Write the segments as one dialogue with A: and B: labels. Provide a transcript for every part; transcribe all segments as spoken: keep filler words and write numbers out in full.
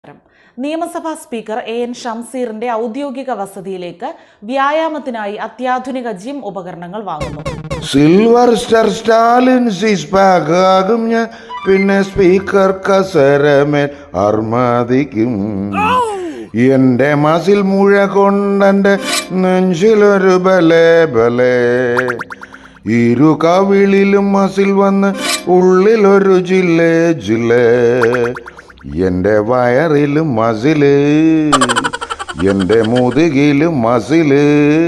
A: നിയമസഭാ speaker A N ഷംസീറിന്റെ ഔദ്യോഗിക വസതിയിലേക്ക് വ്യായാമത്തിനായി അത്യാധുനിക ജിം ഉപകരണങ്ങൾ വാങ്ങുന്നു.
B: Silver star Stalin six pack ആകും ഞാൻ, പിന്നെ സ്പീക്കർ കസരമേൽ അർമാദിക്കും. എന്റെ മസിൽ മുഴ കൊണ്ടെന്റെ നെഞ്ചിലൊരു ബലേ ബലേ, ഇരു കവിളിലും മസിൽ വന്ന് ഉള്ളിലൊരു ജില്ലേ ജില്ലേ, എന്റെ വയറിലും മസില്, എന്റെ മുതുകിലും മസില്,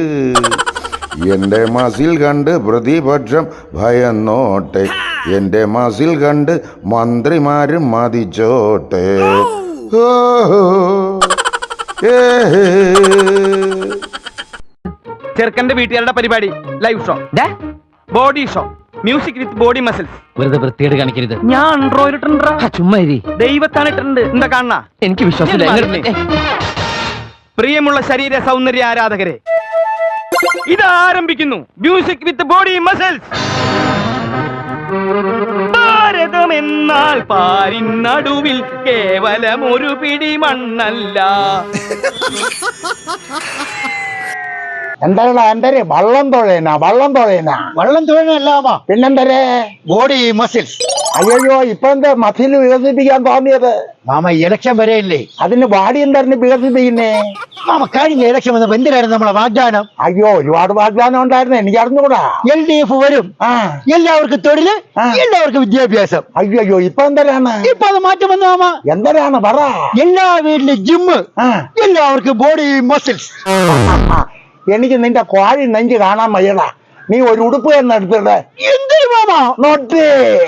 B: എന്റെ മസിൽ കണ്ട് പ്രതിപക്ഷം ഭയന്നോട്ടെ, എന്റെ മസിൽ കണ്ട് മന്ത്രിമാരും മതിച്ചോട്ടെ.
C: ചെറുക്കന്റെ വീട്ടുകാരുടെ പരിപാടി live show, body show, music with body muscles.
D: വെറുതെ വൃത്തിയോട് കാണിക്കരുത്.
C: ഞാൻ ഇട്ടിട്ടുണ്ട്,
D: ചുമ്മാ
C: ദൈവത്താണ് ഇട്ടിട്ടുണ്ട്. എന്താ കാണണ?
D: എനിക്ക് വിശ്വാസമില്ല.
C: പ്രിയമുള്ള ശരീര സൗന്ദര്യ ആരാധകരെ, ഇത് ആരംഭിക്കുന്നു music with body muscles. Bharatam എന്നാൽ പാരിനടുവിൽ കേവലം ഒരു പിടി മണ്ണല്ല.
E: എന്താ എന്തരെ വള്ളം തുഴയനാ വള്ളം തുഴയനാ വള്ളം തുഴയനല്ലാമാ പിന്നെന്തരെ ബോഡി മസിൽസ്. അയ്യോ ഇപ്പൊ എന്താ മസിൽ വികസിപ്പിക്കാൻ തോന്നിയത്? മാമ ഇലക്ഷൻ വരെയില്ലേ, അതിന് ബാഡി എന്തായിരുന്നു വികസിപ്പിക്കുന്നേ? മാമ കഴിഞ്ഞ ഇലക്ഷൻ വന്നപ്പോ എന്തിനായിരുന്നു നമ്മളെ വാഗ്ദാനം? അയ്യോ ഒരുപാട് വാഗ്ദാനം ഉണ്ടായിരുന്നു, എനിക്ക് അറിഞ്ഞുകൂടാ. എൽ ഡി എഫ് വരും, എല്ലാവർക്കും തൊഴില്, എല്ലാവർക്കും വിദ്യാഭ്യാസം. അയ്യോ അയ്യോ ഇപ്പൊ എന്തരാണ്? ഇപ്പൊ അത് മാറ്റം വന്നു മാമ. എന്തരാണ് പറ? എല്ലാ വീട്ടിലും ജിമ്മ്, എല്ലാവർക്കും ബോഡി മസിൽസ്. എനിക്ക് നിന്റെ കോഴി നെഞ്ച് കാണാൻ വയ്യടാ, നീ ഒരു ഉടുപ്പ് തന്നെ എടുത്തിട്ട്. എന്തൊരു മാമാ നോട്ട്.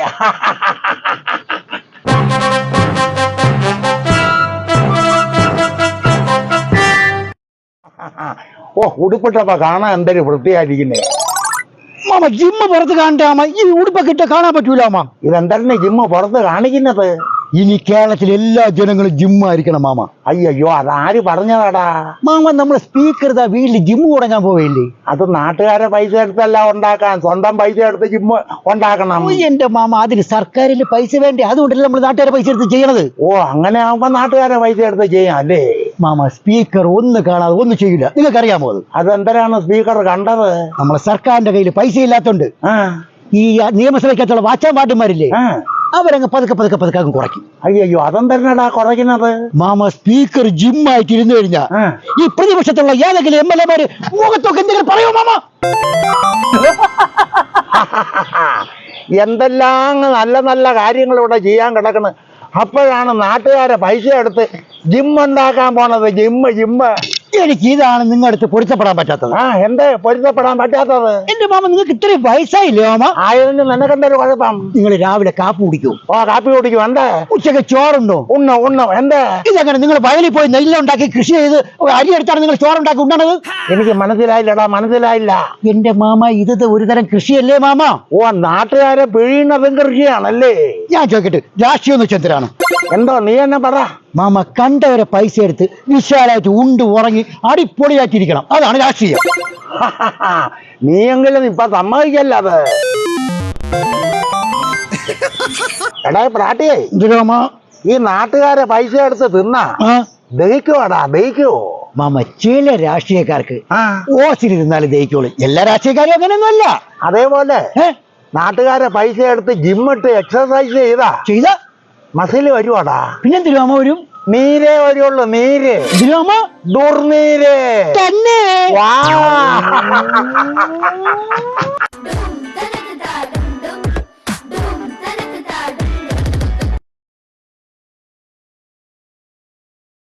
E: ഓ ഉടുപ്പിട്ടപ്പോ കാണാൻ എന്തൊരു വൃത്തിയായിരിക്കുന്നേ മാമ. ജിമ്മ് പുറത്ത് കാണണ്ടാമ, ഈ ഉടുപ്പൊക്കെ ഇട്ട് കാണാൻ പറ്റൂലാമ. ഇതെന്താണ് ജിമ്മ് പുറത്ത് കാണിക്കുന്നത്? ഇനി കേരളത്തിലെ എല്ലാ ജനങ്ങളും ജിമ്മായിരിക്കണം മാമ. അയ്യോ അതാര് പറഞ്ഞതാടാ മാമ? നമ്മളെ സ്പീക്കർ ഇതാ വീട്ടിൽ ജിമ്മ് തുടങ്ങാൻ പോവില്ലേ? അത് നാട്ടുകാരെ പൈസ എടുത്തല്ല ഉണ്ടാക്കാൻ, സ്വന്തം പൈസ എടുത്ത് ജിമ്മ് ഉണ്ടാക്കണം. എന്റെ മാമ അതിന് സർക്കാരിൽ പൈസ വേണ്ടേ, അതുകൊണ്ടല്ലേ നമ്മൾ നാട്ടുകാരെ പൈസ എടുത്ത് ചെയ്യണത്. ഓ അങ്ങനെ ആവുമ്പോ നാട്ടുകാരെ പൈസ എടുത്ത് ചെയ്യാം അല്ലേ മാമ? സ്പീക്കർ ഒന്ന് കാണാതെ ഒന്നും ചെയ്യില്ല, നിങ്ങൾക്കറിയാമോ അത്? അതെന്തരാണ് സ്പീക്കർ കണ്ടത്? നമ്മളെ സർക്കാരിന്റെ കയ്യിൽ പൈസ ഇല്ലാത്തോണ്ട് ഈ നിയമസഭയ്ക്കകത്തുള്ള വാച്ചാൻ പാട്ടുമാരില്ലേ, അവരങ്ങ് പതുക്കെ പതുക്കെ പതുക്കെ അങ്ങ് കുറയ്ക്കും. അയ്യോ അതെന്തരടാ കുറയ്ക്കുന്നത്? മാമ സ്പീക്കർ ജിമ്മായിട്ട് ഇരുന്നു കഴിഞ്ഞാ ഈ പ്രതിപക്ഷത്തുള്ള ഏതെങ്കിലും എം എൽ എമാര് മുഖത്തൊക്കെ എന്തെങ്കിലും പറയോ മാമ? എന്തെല്ലാം നല്ല നല്ല കാര്യങ്ങൾ ഇവിടെ ചെയ്യാൻ കിടക്കണ്, അപ്പോഴാണ് നാട്ടുകാരെ പൈസ എടുത്ത് ജിമ്മ് ഉണ്ടാക്കാൻ പോണത്. ജിമ്മ് ജിമ്മ് എനിക്ക് ഇതാണ് നിങ്ങളുടെ അടുത്ത് പൊരുത്തപ്പെടാൻ പറ്റാത്തത്. ആ എന്താ പൊരുത്തപ്പെടാൻ പറ്റാത്തത്? എന്റെ മാമ നിങ്ങൾക്ക് ഇത്രയും വയസ്സായില്ലേ മാമ? ആയതിന് നിനക്കെന്തൊരു കുഴപ്പം? നിങ്ങൾ രാവിലെ കാപ്പി കുടിക്കൂ? ഓ കാപ്പി കുടിക്കും. എന്താ ഉച്ചക്ക് ചോറുണ്ടോ? ഉണ്ണോ ഉണ്ണോ. എന്താ ഇതെങ്ങനെ നിങ്ങൾ വയലിൽ പോയി നെല്ലുണ്ടാക്കി കൃഷി ചെയ്ത് അരി എടുത്താണ് നിങ്ങൾ ചോറുണ്ടാക്കി ഉണ്ടണത്? എനിക്ക് മനസ്സിലായില്ലടാ, മനസ്സിലായില്ല. എന്റെ മാമ ഇത് ഒരു തരം കൃഷിയല്ലേ മാമ? ഓ നാട്ടുകാരെ പിഴിയുന്നതും കൃഷിയാണല്ലേ? ഞാൻ ചോദിക്കട്ടെ, രാഷ്ട്രീയം വെച്ചെന്തരാണ്? എന്തോ നീ എന്നെ പറ മാമ. കണ്ടവരെ പൈസ എടുത്ത് വിശാലായിട്ട് ഉണ്ട് ഉറങ്ങി അടിപൊളിയാക്കിയിരിക്കണം, അതാണ് രാഷ്ട്രീയം. നീയെങ്കിലും ഇപ്പൊ സമ്മതിക്കല്ല അത്. എടാ പ്രാട്ടിയേ, ഈ നാട്ടുകാരെ പൈസ എടുത്ത് തിന്നാ ദഹിക്കുവാടാ, ദഹിക്കുവോ മാമ? ചില രാഷ്ട്രീയക്കാർക്ക് ഓസിലിരുന്നാലും ദഹിക്കോളൂ, എല്ലാ രാഷ്ട്രീയക്കാരും അങ്ങനെയൊന്നും അല്ല. അതേപോലെ നാട്ടുകാരെ പൈസ എടുത്ത് ജിമ്മിട്ട് എക്സസൈസ് ചെയ്താ ചെയ്ത മസില് വരുവാടാ. പിന്നെന്തിരുവാമ വരും? നീരേ വരുള്ളൂ, നീര്. ദുർനീര് തന്നെ.